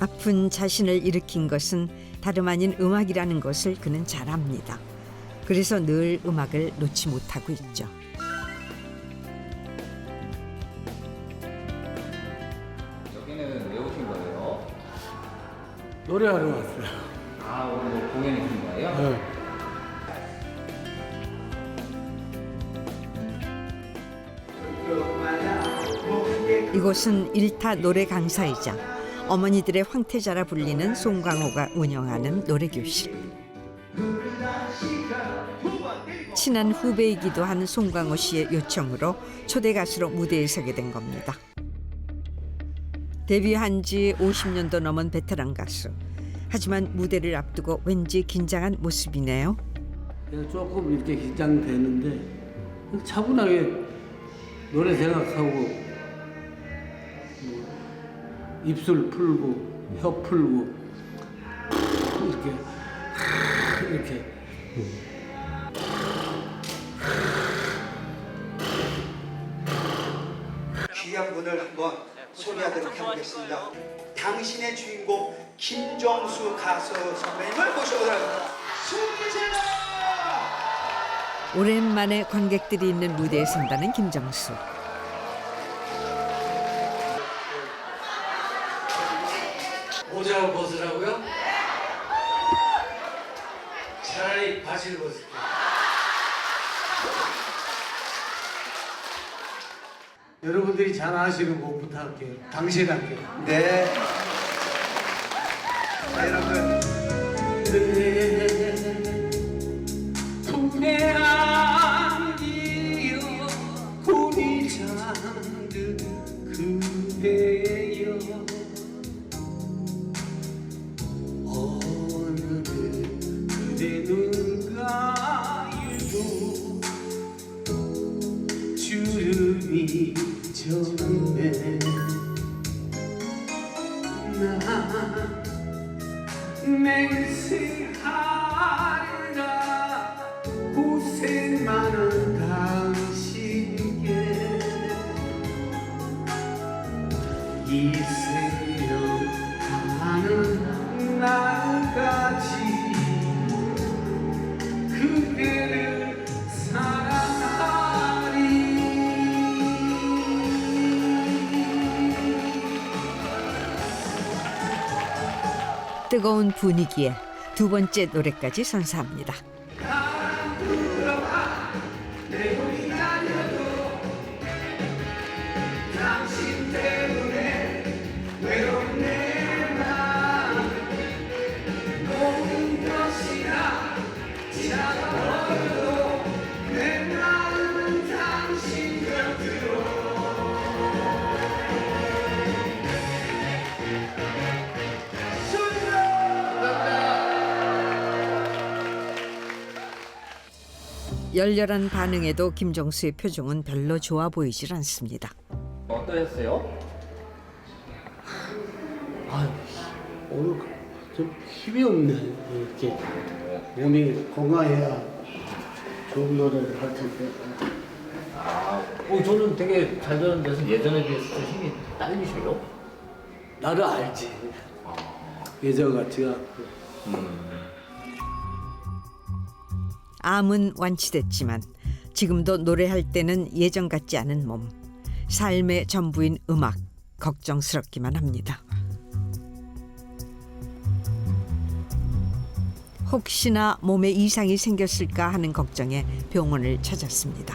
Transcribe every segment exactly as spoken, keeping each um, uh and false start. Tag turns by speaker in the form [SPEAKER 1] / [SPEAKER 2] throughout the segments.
[SPEAKER 1] 아픈 자신을 일으킨 것은 다름 아닌 음악이라는 것을 그는 잘 압니다. 그래서 늘 음악을 놓지 못하고 있죠.
[SPEAKER 2] 여기는 왜 오신 거예요?
[SPEAKER 3] 노래하러 왔어요.
[SPEAKER 2] 아, 오늘 뭐 공연이신 거예요?
[SPEAKER 3] 네.
[SPEAKER 1] 이곳은 일타 노래 강사이자 어머니들의 황태자라 불리는 송광호가 운영하는 노래교실. 친한 후배이기도 한 송광호 씨의 요청으로 초대 가수로 무대에 서게 된 겁니다. 데뷔한 지 오십 년도 넘은 베테랑 가수. 하지만 무대를 앞두고 왠지 긴장한 모습이네요.
[SPEAKER 3] 그래서 조금 이렇게 긴장되는데 차분하게 노래 생각하고 뭐 입술 풀고 혀 풀고 이렇게 이렇게
[SPEAKER 4] 귀한 분을 한번 소개하도록 해보겠습니다. 당신의 주인공 김정수 가수 선배님을 모셔보도록 하겠습니다. 숨기세요!
[SPEAKER 1] 오랜만에 관객들이 있는 무대에 선다는 김정수.
[SPEAKER 3] 모자를 벗으라고요? 차라리 바지를 벗을게요. 여러분들이 잘 아시는 곡 부탁할게요. 당신 할게요.
[SPEAKER 4] 네. 자, 여러분.
[SPEAKER 3] 품에 안기어 꿈이 잠든 그대여 어느 그대 눈 가일도 주름이 졌네 나 맹세하리라 고생 많은 당신께 이 생명 가는 날까지 그대를 사랑하리.
[SPEAKER 1] 뜨거운 분위기에 두 번째 노래까지 선사합니다.
[SPEAKER 3] 당신 때문에 외롭네 나 모든 것이나 차가워도 내 마음은 당신 곁으로
[SPEAKER 1] 열렬한 반응에도 김정수의 표정은 별로 좋아 보이질 않습니다.
[SPEAKER 2] 어떠셨어요?
[SPEAKER 3] 아유, 오늘 좀 힘이 없네. 이렇게 몸이 건강해야 좋은 노래를 할 텐데.
[SPEAKER 2] 아, 어, 저는 되게 잘 되는 데서 예전에 비해서 좀 힘이 딸리셔요?
[SPEAKER 3] 나를 알지. 예전 같지가 않고.
[SPEAKER 2] 음.
[SPEAKER 1] 암은 완치됐지만 지금도 노래할 때는 예전 같지 않은 몸. 삶의 전부인 음악, 걱정스럽기만 합니다. 혹시나 몸에 이상이 생겼을까 하는 걱정에 병원을 찾았습니다.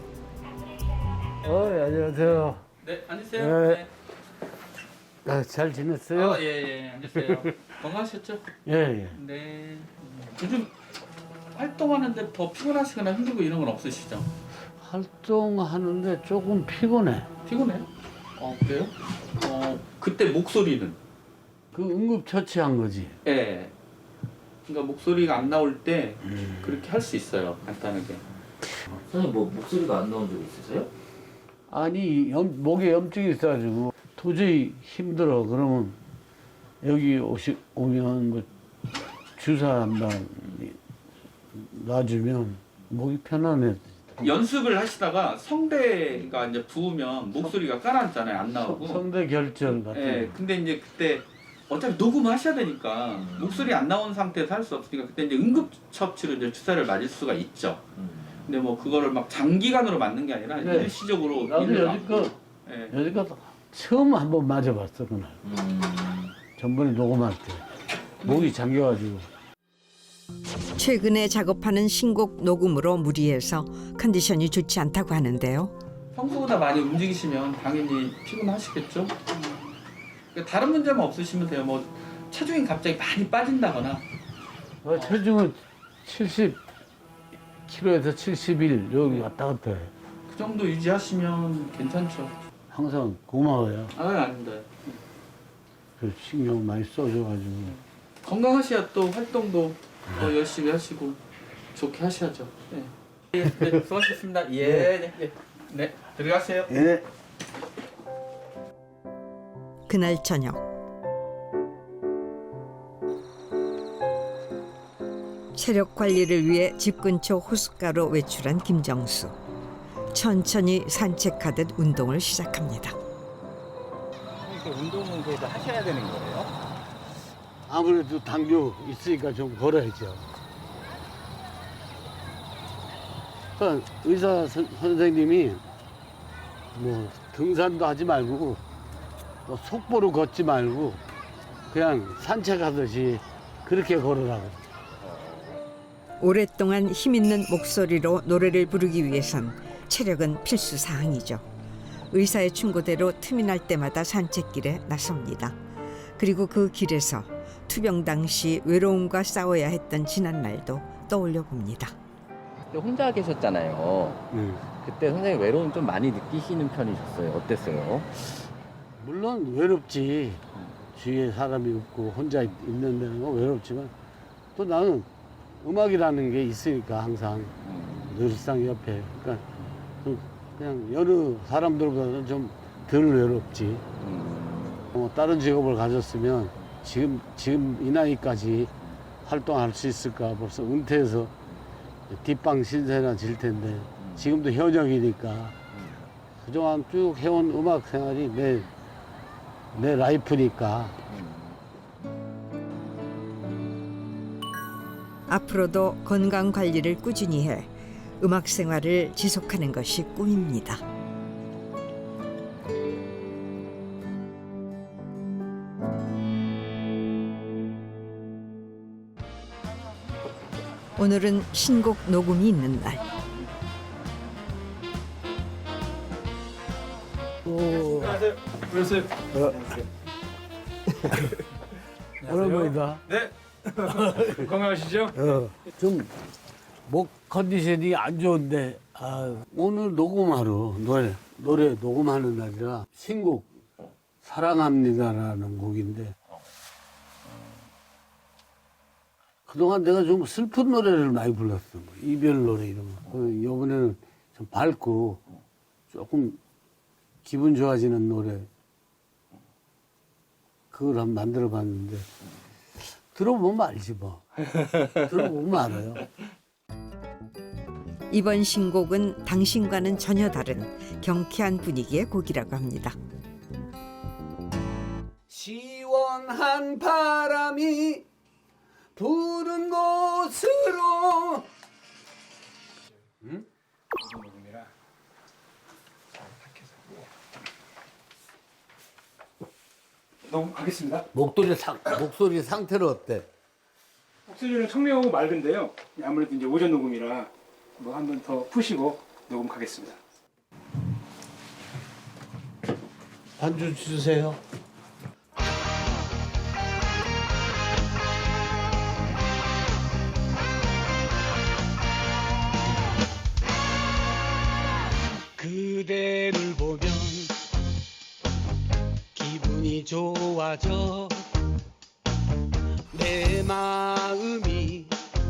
[SPEAKER 3] 어, 안녕하세요.
[SPEAKER 5] 네, 앉으세요.
[SPEAKER 3] 네. 아, 잘 지냈어요?
[SPEAKER 5] 아, 예, 예, 앉으세요. 건강하셨죠?
[SPEAKER 3] 예, 예.
[SPEAKER 5] 네. 요즘 활동하는데 더 피곤하시거나 힘들고 이런 건 없으시죠?
[SPEAKER 3] 활동하는데 조금 피곤해.
[SPEAKER 5] 피곤해요? 어, 그래요? 어, 그때 목소리는?
[SPEAKER 3] 그 응급처치한 거지.
[SPEAKER 5] 예. 그러니까 목소리가 안 나올 때 그렇게 할 수 있어요, 간단하게.
[SPEAKER 2] 선생님 뭐 목소리가 안 나온 적 있으세요?
[SPEAKER 3] 아니, 염, 목에 염증이 있어가지고 도저히 힘들어. 그러면 여기 오시, 오면 뭐 주사 한 방 놔주면 목이 편안해.
[SPEAKER 5] 연습을 하시다가 성대가 이제 부으면 목소리가 가라앉잖아요, 안 나오고.
[SPEAKER 3] 성대 결절 같은
[SPEAKER 5] 예,
[SPEAKER 3] 거.
[SPEAKER 5] 근데 이제 그때 어차피 녹음하셔야 되니까 목소리 안 나온 상태에서 할 수 없으니까 그때 이제 응급처치로 이제 주사를 맞을 수가 있죠. 근데 뭐 그거를 막 장기간으로 맞는 게 아니라
[SPEAKER 3] 네.
[SPEAKER 5] 일시적으로
[SPEAKER 3] 나도
[SPEAKER 5] 일을
[SPEAKER 3] 여지껏
[SPEAKER 5] 예.
[SPEAKER 3] 여지껏 처음 한 번 맞아봤어 그날. 전번에 녹음할 때 목이 잠겨가지고.
[SPEAKER 1] 최근에 작업하는 신곡 녹음으로 무리해서 컨디션이 좋지 않다고 하는데요.
[SPEAKER 5] 평소보다 많이 움직이시면 당연히 피곤하시겠죠. 그러니까 다른 문제만 없으시면 돼요. 뭐 체중이 갑자기 많이 빠진다거나
[SPEAKER 3] 어, 체중은 칠십 킬로에서 칠십일 여기 왔다 갔다 해.
[SPEAKER 5] 그 정도 유지하시면 괜찮죠.
[SPEAKER 3] 항상 고마워요.
[SPEAKER 5] 아 아닙니다.
[SPEAKER 3] 그 신경 많이 써줘가지고.
[SPEAKER 5] 건강하셔야 또 활동도 더 열심히 하시고 좋게 하셔야죠. 네. 네, 네 수고하셨습니다. 예, 네, 네, 네, 들어가세요.
[SPEAKER 3] 예.
[SPEAKER 1] 그날 저녁 체력 관리를 위해 집 근처 호숫가로 외출한 김정수. 천천히 산책하듯 운동을 시작합니다.
[SPEAKER 2] 운동은 그래도 하셔야 되는 거예요?
[SPEAKER 3] 아무래도 당뇨 있으니까 좀 걸어야죠. 그러니까 의사 선, 선생님이 뭐 등산도 하지 말고 또 속보로 걷지 말고 그냥 산책하듯이 그렇게 걸으라고.
[SPEAKER 1] 오랫동안 힘있는 목소리로 노래를 부르기 위해선 체력은 필수 사항이죠. 의사의 충고대로 틈이 날 때마다 산책길에 나섭니다. 그리고 그 길에서 투병 당시 외로움과 싸워야 했던 지난 날도 떠올려 봅니다.
[SPEAKER 2] 그때 혼자 계셨잖아요.
[SPEAKER 3] 음.
[SPEAKER 2] 그때 선생님 외로움 좀 많이 느끼시는 편이셨어요? 어땠어요?
[SPEAKER 3] 물론 외롭지. 주위에 사람이 없고 혼자 있- 있는 데는 건 외롭지만 또 나는 음악이라는 게 있으니까 항상 늘상 옆에. 그러니까 좀 그냥 여러 사람들보다는 좀 덜 외롭지.
[SPEAKER 2] 음.
[SPEAKER 3] 어, 다른 직업을 가졌으면 지금 지금 이 나이까지 활동할 수 있을까. 벌써 은퇴해서 뒷방 신세나 질 텐데 지금도 현역이니까 그동안 쭉 해온 음악 생활이 내, 내 라이프니까.
[SPEAKER 1] 앞으로도 건강 관리를 꾸준히 해 음악 생활을 지속하는 것이 꿈입니다. 오늘은 신곡 녹음이 있는 날.
[SPEAKER 3] 오랜만이다.
[SPEAKER 6] 건강하시죠?
[SPEAKER 3] 어, 좀 목 컨디션이 안 좋은데 아, 오늘 녹음하러 노래 노래 녹음하는 날이라 신곡 사랑합니다라는 곡인데 그동안 내가 좀 슬픈 노래를 많이 불렀어. 뭐 이별 노래 이런 거. 그 이번에는 좀 밝고 조금 기분 좋아지는 노래 그걸 한번 만들어 봤는데 들어보면 알지 뭐. 들어보면 알아요.
[SPEAKER 1] 이번 신곡은 당신과는 전혀 다른 경쾌한 분위기의 곡이라고 합니다.
[SPEAKER 3] 시원한 바람이 부는 곳으로. 응?
[SPEAKER 6] 녹음하겠습니다.
[SPEAKER 3] 목소리 상 목소리 상태는 어때?
[SPEAKER 6] 목소리는 청명하고 맑은데요. 아무래도 이제 오전 녹음이라 뭐 한 번 더 푸시고 녹음하겠습니다.
[SPEAKER 3] 반주 주세요.
[SPEAKER 7] 그대를 보면 기분이 좋아져 내 마음이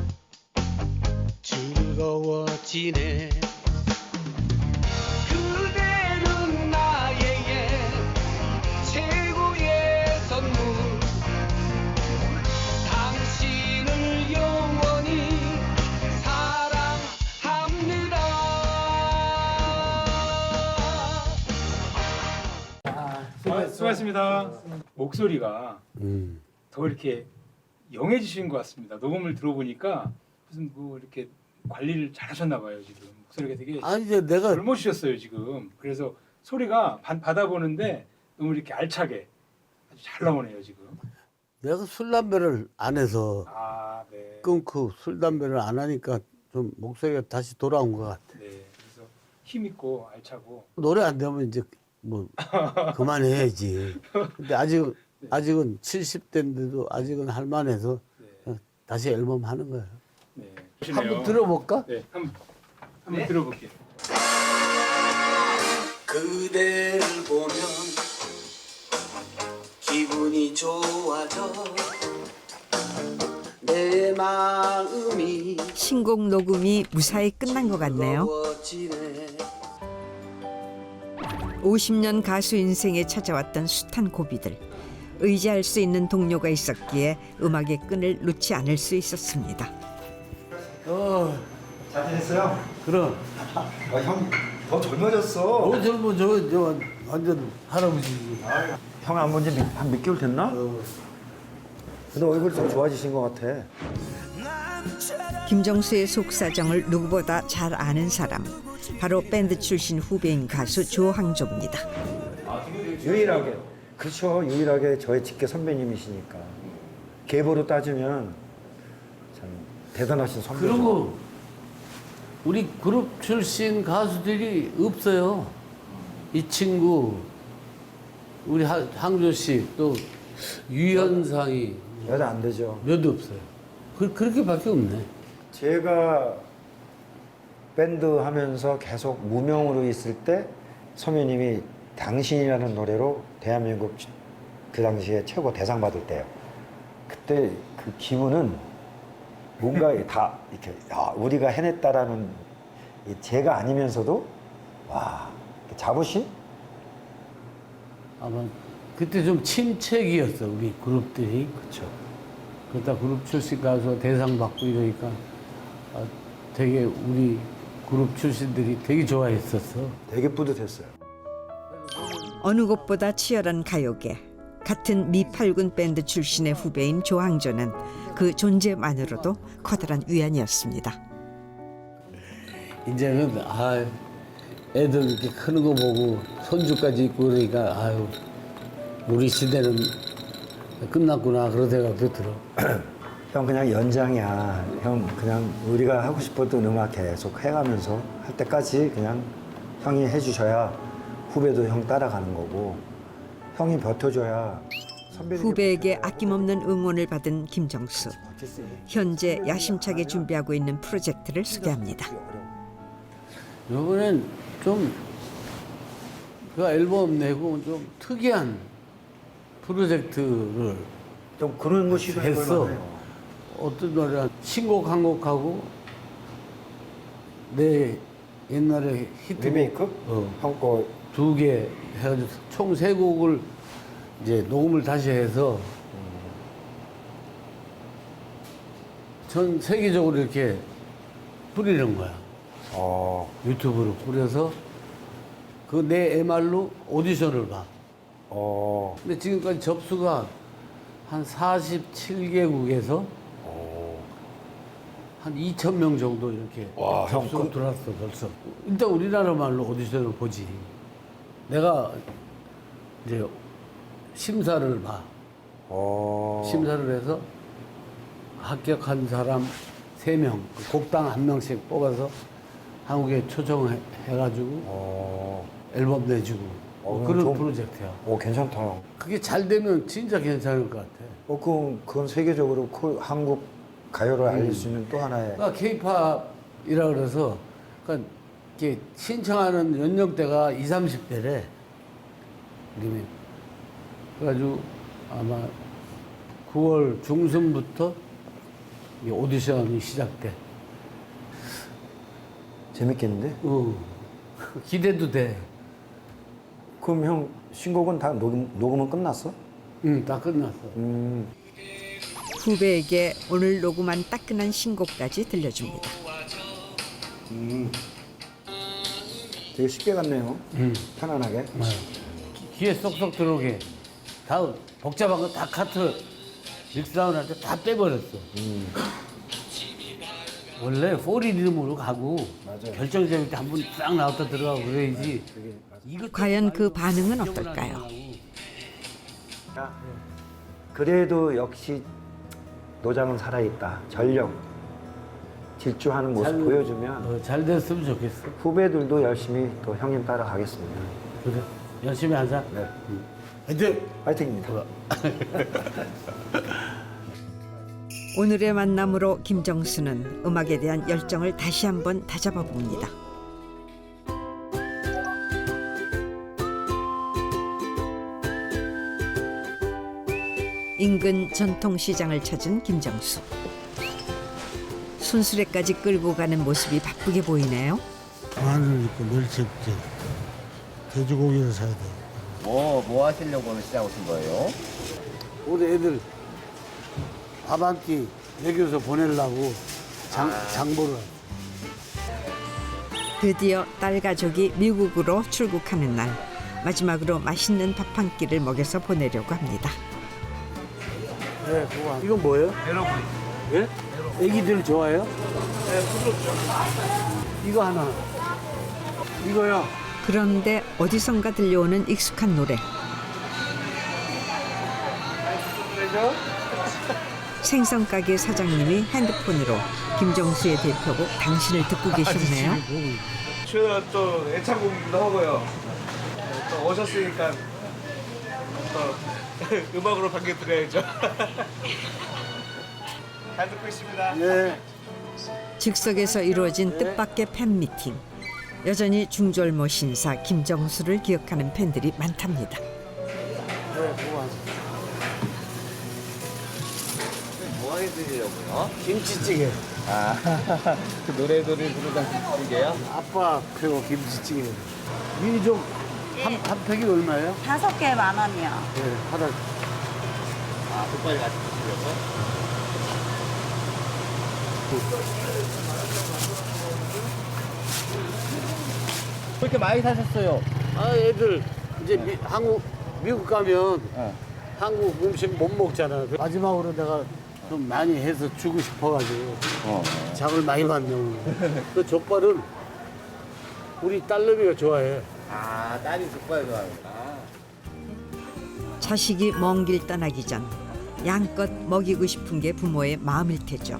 [SPEAKER 7] 즐거워지네 그대는 나에게 최고의 선물 당신을 영원히 사랑합니다.
[SPEAKER 6] 아, 수고하셨습니다. 목소리가
[SPEAKER 3] 음.
[SPEAKER 6] 더 이렇게 영해지신 것 같습니다. 녹음을 들어보니까 무슨 뭐 이렇게 관리를 잘하셨나 봐요 지금. 목소리가 되게
[SPEAKER 3] 아니 이제 내가
[SPEAKER 6] 젊어지셨어요 지금. 그래서 소리가 반- 받아보는데 너무 이렇게 알차게 아주 잘 나오네요 지금.
[SPEAKER 3] 내가 술 담배를 안 해서
[SPEAKER 6] 아 네.
[SPEAKER 3] 끊고 술 담배를 안 하니까 좀 목소리가 다시 돌아온 것 같아.
[SPEAKER 6] 네. 그래서 힘 있고 알차고.
[SPEAKER 3] 노래 안 되면 이제 뭐 그만해야지. 근데 아직은 아직은 칠십 대인데도 아직은 할만해서
[SPEAKER 6] 네.
[SPEAKER 3] 다시 앨범 하는 거예요.
[SPEAKER 6] 네.
[SPEAKER 3] 한번 들어볼까?
[SPEAKER 6] 네. 한번 한번 들어볼게요.
[SPEAKER 8] 그대를 보면 기분이 좋아져 내 마음이
[SPEAKER 1] 신곡 녹음이 무사히 끝난 것 같네요.
[SPEAKER 8] 무거워지네.
[SPEAKER 1] 오십 년 가수 인생에 찾아왔던 숱한 고비들. 의지할 수 있는 동료가 있었기에 음악의 끈을 놓지 않을 수 있었습니다.
[SPEAKER 3] 어,
[SPEAKER 4] 잘 지냈어요?
[SPEAKER 3] 그럼.
[SPEAKER 4] 아, 형 더 젊어졌어.
[SPEAKER 3] 어, 젊어 저, 저 완전 할아버지지.
[SPEAKER 9] 형 안 본 지 한 몇 개월 됐나?
[SPEAKER 3] 어.
[SPEAKER 9] 근데 얼굴이 좀 좋아지신 것 같아.
[SPEAKER 1] 김정수의 속사정을 누구보다 잘 아는 사람. 바로 밴드 출신 후배인 가수 조항조입니다.
[SPEAKER 9] 유일하게. 그렇죠. 유일하게 저의 직계 선배님이시니까. 계보로 따지면 참 대단하신 선배죠.
[SPEAKER 3] 그리고 우리 그룹 출신 가수들이 없어요. 이 친구, 우리 하- 항조 씨, 또 유현상이
[SPEAKER 9] 여자 안 되죠.
[SPEAKER 3] 몇 없어요. 그, 그렇게밖에 없네.
[SPEAKER 9] 제가 밴드 하면서 계속 무명으로 있을 때 선배님이 당신이라는 노래로 대한민국 그 당시에 최고 대상 받을 때요. 그때 그 기분은 뭔가 다 이렇게 야, 우리가 해냈다라는 이 제가 아니면서도 와 자부심?
[SPEAKER 3] 아마 그때 좀 침체기였어, 우리 그룹들이.
[SPEAKER 9] 그렇죠.
[SPEAKER 3] 그러다 그룹 출신 가수가 대상 받고 이러니까 아, 되게 우리 그룹 출신들이 되게 좋아했었어.
[SPEAKER 9] 되게 뿌듯했어요.
[SPEAKER 1] 어느 곳보다 치열한 가요계. 같은 미팔군 밴드 출신의 후배인 조항조는 그 존재만으로도 커다란 위안이었습니다.
[SPEAKER 3] 이제는 아 애들 이렇게 크는 거 보고 손주까지 있고 그러니까 아유 우리 시대는 끝났구나 그런 생각도 들어.
[SPEAKER 9] 형 그냥 연장이야. 형 그냥 우리가 하고 싶었던 음악 계속 해가면서 할 때까지 그냥 형이 해주셔야 후배도 형 따라가는 거고 형이 버텨줘야 선배들이
[SPEAKER 1] 후배에게 아낌없는 응원을 받은 김정수. 현재 야심차게 준비하고 있는 프로젝트를 소개합니다.
[SPEAKER 3] 이번엔 좀 그 앨범 내고 좀 특이한 프로젝트를
[SPEAKER 9] 좀 그런 거 시도해
[SPEAKER 3] 했어.
[SPEAKER 9] 볼만해요.
[SPEAKER 3] 어떤 노래 신곡 한 곡하고 내 옛날에 히트곡
[SPEAKER 9] 리메이크?
[SPEAKER 3] 어,
[SPEAKER 9] 형거
[SPEAKER 3] 두 개 해가지고 총 세 곡을 이제 녹음을 다시 해서 전 세계적으로 이렇게 뿌리는 거야.
[SPEAKER 9] 어,
[SPEAKER 3] 유튜브로 뿌려서 그 내 엠알로 오디션을 봐.
[SPEAKER 9] 어,
[SPEAKER 3] 근데 지금까지 접수가 한 사십칠 개국에서 한 이천 명 정도 이렇게
[SPEAKER 9] 와, 형,
[SPEAKER 3] 접수가
[SPEAKER 9] 그-
[SPEAKER 3] 들어왔어 벌써. 일단 우리나라 말로 오디션을 보지. 내가 이제 심사를 봐.
[SPEAKER 9] 어.
[SPEAKER 3] 심사를 해서 합격한 사람 세 명, 곡당 한 명씩 뽑아서 한국에 초청해가지고
[SPEAKER 9] 어,
[SPEAKER 3] 앨범 내주고 뭐
[SPEAKER 9] 어,
[SPEAKER 3] 그런
[SPEAKER 9] 좀-
[SPEAKER 3] 프로젝트야.
[SPEAKER 9] 오 괜찮다 형.
[SPEAKER 3] 그게 잘 되면 진짜 괜찮을 것 같아.
[SPEAKER 9] 어, 그건, 그건 세계적으로 그 한국 가요를 알릴 수 있는 또 하나의
[SPEAKER 3] 그러니까 케이팝이라 그래서 그러니까 이렇게 신청하는 연령대가 이십, 삼십 대래. 그래가지고 아마 구월 중순부터 이 오디션이 시작돼.
[SPEAKER 9] 재밌겠는데?
[SPEAKER 3] 어. 기대도 돼.
[SPEAKER 9] 그럼 형 신곡은 다 녹음, 녹음은 끝났어?
[SPEAKER 3] 응, 다 끝났어.
[SPEAKER 9] 음,
[SPEAKER 1] 후배에게 오늘 녹음한 따끈한 신곡까지 들려줍니다.
[SPEAKER 9] 되게 쉽게 갔네요.
[SPEAKER 3] 응.
[SPEAKER 9] 편안하게.
[SPEAKER 3] 귀에 쏙쏙 들어오게. 다 복잡한 거 다 카트 믹스다운 할 때 다 빼버렸어. 원래 포리 리듬으로 가고 결정적일 때 한 번 싹 나왔다 들어가고 그래야지. 이거
[SPEAKER 1] 과연 그 반응은 어떨까요?
[SPEAKER 9] 그래도 역시 노장은 살아있다. 전력 질주하는 모습
[SPEAKER 3] 잘-
[SPEAKER 9] 보여주면
[SPEAKER 3] 어, 잘 됐으면 좋겠어.
[SPEAKER 9] 후배들도 열심히 또 형님 따라가겠습니다.
[SPEAKER 3] 그래. 열심히 하자.
[SPEAKER 9] 네,
[SPEAKER 3] 화이팅!
[SPEAKER 9] 화이팅입니다.
[SPEAKER 1] 오늘의 만남으로 김정수는 음악에 대한 열정을 다시 한번 다잡아 봅니다. 인근 전통시장을 찾은 김정수. 순수레까지 끌고 가는 모습이 바쁘게 보이네요.
[SPEAKER 3] 마늘 있고 멸치 있고 돼지고기를 사야 돼.
[SPEAKER 2] 뭐, 뭐 하시려고 오늘 시장 오신 거예요?
[SPEAKER 3] 우리 애들 밥 한 끼 먹여서 보내려고 장, 장보를.
[SPEAKER 1] 드디어 딸 가족이 미국으로 출국하는 날, 마지막으로 맛있는 밥 한 끼를 먹여서 보내려고 합니다.
[SPEAKER 3] 네, 그거. 이건 뭐예요? 에러브리. 예? 애기들 좋아해요? 네, 부드럽죠. 이거 하나. 이거요.
[SPEAKER 1] 그런데 어디선가 들려오는 익숙한 노래. 생선 가게 사장님이 핸드폰으로 김정수의 대표곡 당신을 듣고 계셨네요.
[SPEAKER 4] 최대한 또 애창곡도 하고요. 또 오셨으니까 또 음악으로 반겨드려야죠. 잘 듣고 있습니다.
[SPEAKER 3] 네.
[SPEAKER 1] 즉석에서 이루어진 뜻밖의 팬미팅. 여전히 중절모 신사 김정수를 기억하는 팬들이 많답니다.
[SPEAKER 3] 네, 그거 하나.
[SPEAKER 2] 뭐 해드리려고요?
[SPEAKER 3] 김치찌개.
[SPEAKER 2] 아, 그 노래들을 부르던 그게요?
[SPEAKER 3] 아빠 표 김치찌개. 미리 좀, 한, 한 팩이 얼마예요?
[SPEAKER 10] 다섯 개 만 원이요.
[SPEAKER 3] 네, 하나.
[SPEAKER 2] 아, 족발이 같이 드시려고요? 왜 이렇게 많이 사셨어요?
[SPEAKER 3] 아, 애들 이제 미, 한국, 미국 가면
[SPEAKER 2] 어.
[SPEAKER 3] 한국 음식 못 먹잖아. 그 마지막으로 내가 좀 많이 해서 주고 싶어가지고
[SPEAKER 2] 어.
[SPEAKER 3] 장을 많이 받네 오늘. 그 족발은 우리 딸내미가 좋아해.
[SPEAKER 2] 아, 딸이 족발 좋아하는구나.
[SPEAKER 1] 자식이 먼 길 떠나기 전 양껏 먹이고 싶은 게 부모의 마음일 테죠.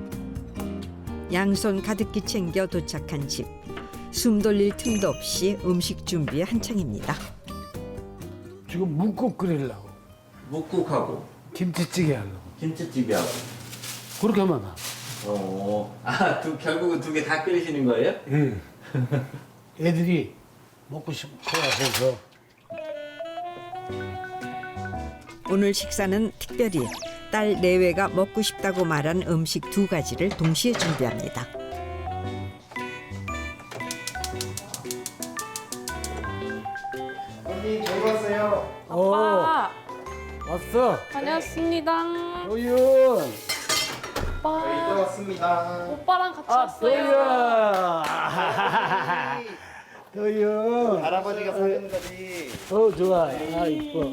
[SPEAKER 1] 양손 가득히 챙겨 도착한 집. 숨 돌릴 틈도 없이 음식 준비에 한창입니다.
[SPEAKER 3] 지금 묵국 끓이려고.
[SPEAKER 2] 묵국하고
[SPEAKER 3] 김치찌개 하려고.
[SPEAKER 2] 김치찌개하고.
[SPEAKER 3] 그렇게 하면 나.
[SPEAKER 2] 어. 아, 두, 결국은 두 개 다 끓이시는 거예요?
[SPEAKER 3] 응. 애들이 먹고 싶어 해서.
[SPEAKER 1] 오늘 식사는 특별히 딸 내외가 먹고 싶다고 말한 음식 두 가지를 동시에 준비합니다.
[SPEAKER 4] 언니 저희 왔어요.
[SPEAKER 3] 어, 왔어.
[SPEAKER 10] 다녀왔습니다.
[SPEAKER 3] 도윤.
[SPEAKER 10] 오빠.
[SPEAKER 4] 이제 왔습니다.
[SPEAKER 10] 오빠랑 같이
[SPEAKER 3] 아,
[SPEAKER 10] 왔어요.
[SPEAKER 3] 도윤. 도윤.
[SPEAKER 4] 할아버지가 사는 거지.
[SPEAKER 3] 어, 좋아. 아, 이뻐.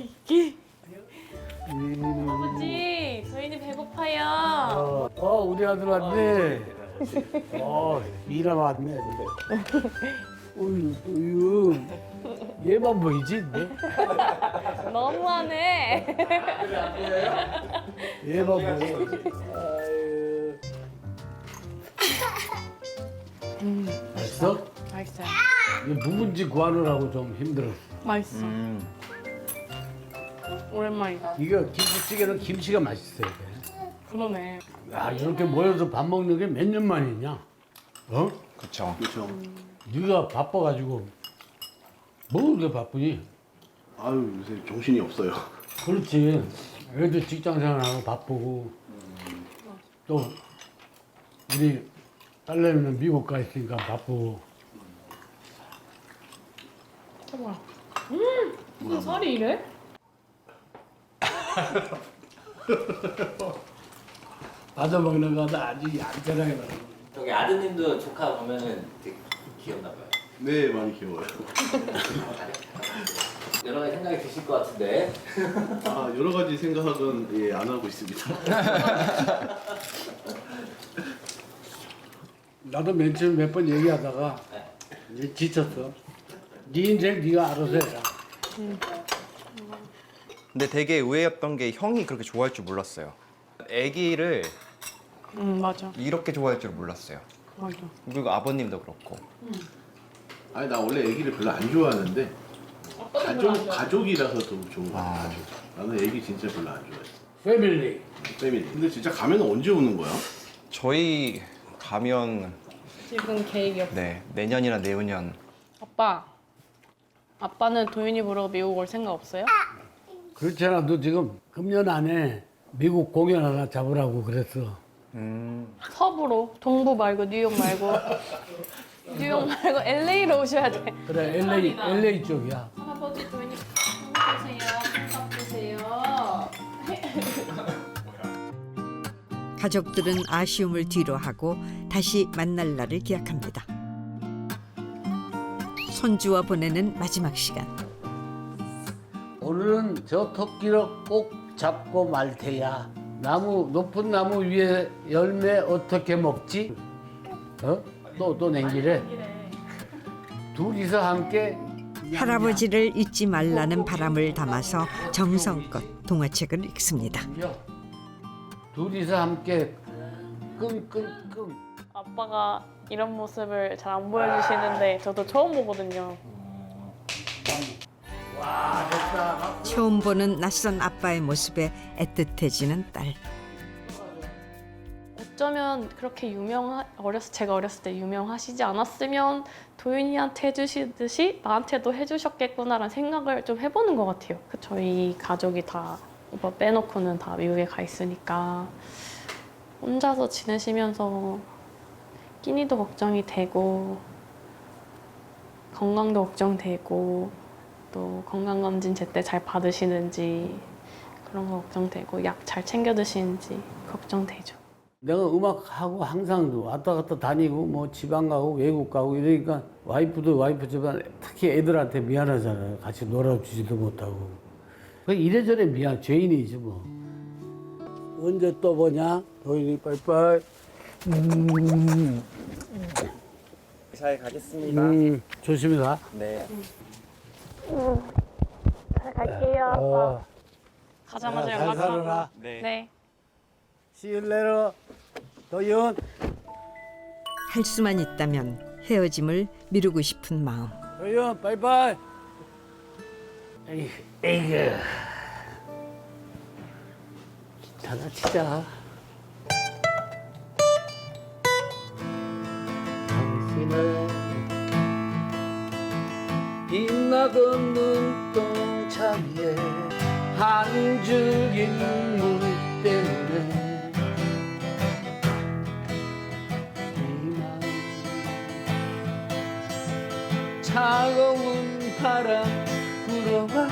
[SPEAKER 10] 아버지, 저희는 배고파요.
[SPEAKER 3] 어, 어, 우리 아들 왔네. 어, 미라 왔네. 어유, 도윤. 얘만 보이지? 네?
[SPEAKER 10] 너무하네.
[SPEAKER 3] 얘만 보여. 아유. 맛있어?
[SPEAKER 10] 맛있어요.
[SPEAKER 3] 이게 묵은지 구하느라고 좀 힘들었어.
[SPEAKER 10] 맛있어.
[SPEAKER 2] 음.
[SPEAKER 10] 오랜만이다.
[SPEAKER 3] 이거 김치찌개는 김치가 맛있어야 돼.
[SPEAKER 10] 그러네.
[SPEAKER 3] 야, 이렇게 모여서 밥 먹는 게 몇 년 만이냐? 어?
[SPEAKER 4] 그렇죠.
[SPEAKER 3] 그렇죠. 네가 바빠가지고 뭐 그렇게 바쁘니?
[SPEAKER 11] 아유 요새 정신이 없어요.
[SPEAKER 3] 그렇지. 애들 직장 생활하고 바쁘고 또 우리 딸내미는 미국 가 있으니까 바쁘고.
[SPEAKER 10] 뭐야? 음, 무슨 살이 이래?
[SPEAKER 3] 받아 먹는 거도 아주 얌전하게 먹어.
[SPEAKER 2] 저기 아드님도 조카 보면은 되게 귀엽나 봐요.
[SPEAKER 11] 네 많이 귀여워요.
[SPEAKER 2] 여러 가지 생각이 드실 것 같은데.
[SPEAKER 11] 아 여러 가지 생각은 예, 안 하고 있습니다.
[SPEAKER 3] 나도 맨 처음 몇 번 얘기하다가 이제 지쳤어. 네 인생 네가 알아서 해라.
[SPEAKER 4] 근데 되게 의외였던 게 형이 그렇게 좋아할 줄 몰랐어요. 애기를
[SPEAKER 10] 응 맞아.
[SPEAKER 4] 이렇게 좋아할 줄 몰랐어요.
[SPEAKER 10] 맞아.
[SPEAKER 4] 그리고 아버님도 그렇고.
[SPEAKER 11] 아니 나 원래 애기를 별로 안 좋아하는데 가족 가족이라서 좀 좋은 거 같아. 가족. 나는 애기 진짜 별로 안 좋아해.
[SPEAKER 3] 패밀리.
[SPEAKER 11] 패밀리. 근데 진짜 가면 언제 오는 거야?
[SPEAKER 4] 저희 가면
[SPEAKER 10] 지금 계획이 없어.
[SPEAKER 4] 네 내년이나 내후년.
[SPEAKER 10] 아빠. 아빠는 도윤이 보러 미국 올 생각 없어요?
[SPEAKER 3] 그렇잖아. 너 지금 금년 안에 미국 공연 하나 잡으라고 그랬어.
[SPEAKER 4] 음.
[SPEAKER 10] 서부로. 동부 말고 뉴욕 말고. 뉴욕 말고 엘에이로 오셔야 돼.
[SPEAKER 3] 그래 엘에이 엘에이 쪽이야.
[SPEAKER 10] 할아버지 도윤이 보세요. 보세요.
[SPEAKER 1] 가족들은 아쉬움을 뒤로 하고 다시 만날 날을 기약합니다. 손주와 보내는 마지막 시간.
[SPEAKER 3] 오늘은 저 토끼를 꼭 잡고 말 테야. 나무 높은 나무 위에 열매 어떻게 먹지? 어? 또 또 냉기래. 둘이서 함께
[SPEAKER 1] 할아버지를 잊지 말라는 바람을 담아서 정성껏 동화책을 읽습니다.
[SPEAKER 3] 둘이서 함께 끙끙끙.
[SPEAKER 10] 아빠가 이런 모습을 잘 안 보여주시는데 저도 처음 보거든요.
[SPEAKER 3] 와 됐다.
[SPEAKER 1] 처음 보는 낯선 아빠의 모습에 애틋해지는 딸.
[SPEAKER 10] 어쩌면 그렇게 유명 어렸을 제가 어렸을 때 유명하시지 않았으면 도윤이한테 해주시듯이 나한테도 해주셨겠구나라는 생각을 좀 해보는 것 같아요. 그 저희 가족이 다 오빠 빼놓고는 다 미국에 가 있으니까 혼자서 지내시면서 끼니도 걱정이 되고 건강도 걱정되고 또 건강검진 제때 잘 받으시는지 그런 거 걱정되고 약 잘 챙겨 드시는지 걱정되죠.
[SPEAKER 3] 내가 음악하고 항상 왔다 갔다 다니고 뭐 지방 가고 외국 가고 이러니까 와이프도 와이프지만 특히 애들한테 미안하잖아요. 같이 놀아주지도 못하고. 이래저래 미안, 죄인이지 뭐. 언제 또 보냐? 도인이 빠이빠이. 음.
[SPEAKER 4] 잘 가겠습니다.
[SPEAKER 3] 음, 조심히 가.
[SPEAKER 4] 네.
[SPEAKER 10] 잘 갈게요.
[SPEAKER 3] 어.
[SPEAKER 10] 가자마자
[SPEAKER 3] 잘
[SPEAKER 10] 연락하고.
[SPEAKER 3] 살아라.
[SPEAKER 4] 네.
[SPEAKER 10] 네.
[SPEAKER 3] See you later. 도윤.
[SPEAKER 1] 할 수만 있다면 헤어짐을 미루고 싶은 마음.
[SPEAKER 3] 도윤, 빠이빠이. 에이, 에이그. 기타나 치자. 당신의 빛나던 눈동자 위에 한 줄기 눈물 때문에 이만 차가운 바람 불어와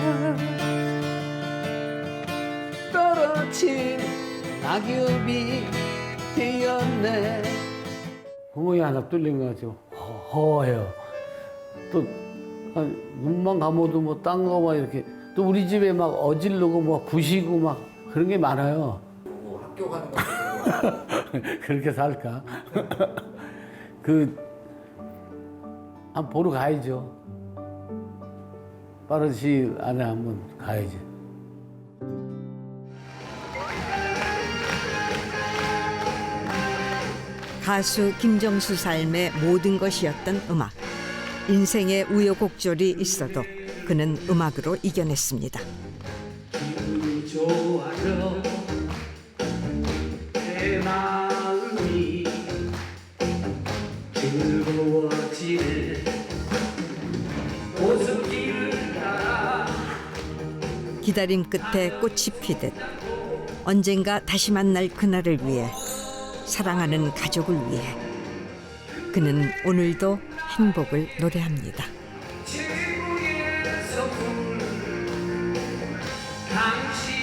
[SPEAKER 3] 떨어진 낙엽이 되었네. 구멍이 하나 뚫린 거 같죠. 허해요. 또 아, 눈만 감아도 뭐 딴 거 막 이렇게 또 우리 집에 막 어질르고 뭐 부시고 막 그런 게 많아요.
[SPEAKER 2] 뭐 학교 가는 거
[SPEAKER 3] 그렇게 살까? 그 한번 보러 가야죠. 빠른 시일 안에 한번 가야지.
[SPEAKER 1] 가수 김정수 삶의 모든 것이었던 음악. 인생의 우여곡절이 있어도 그는 음악으로 이겨냈습니다.
[SPEAKER 8] 기분이 좋아져 내 마음이 즐거워지네 오솔길을 따라
[SPEAKER 1] 기다림 끝에 꽃이 피듯 언젠가 다시 만날 그날을 위해 사랑하는 가족을 위해 그는 오늘도 행복을 노래합니다.
[SPEAKER 8] 지구에서 부르는 당신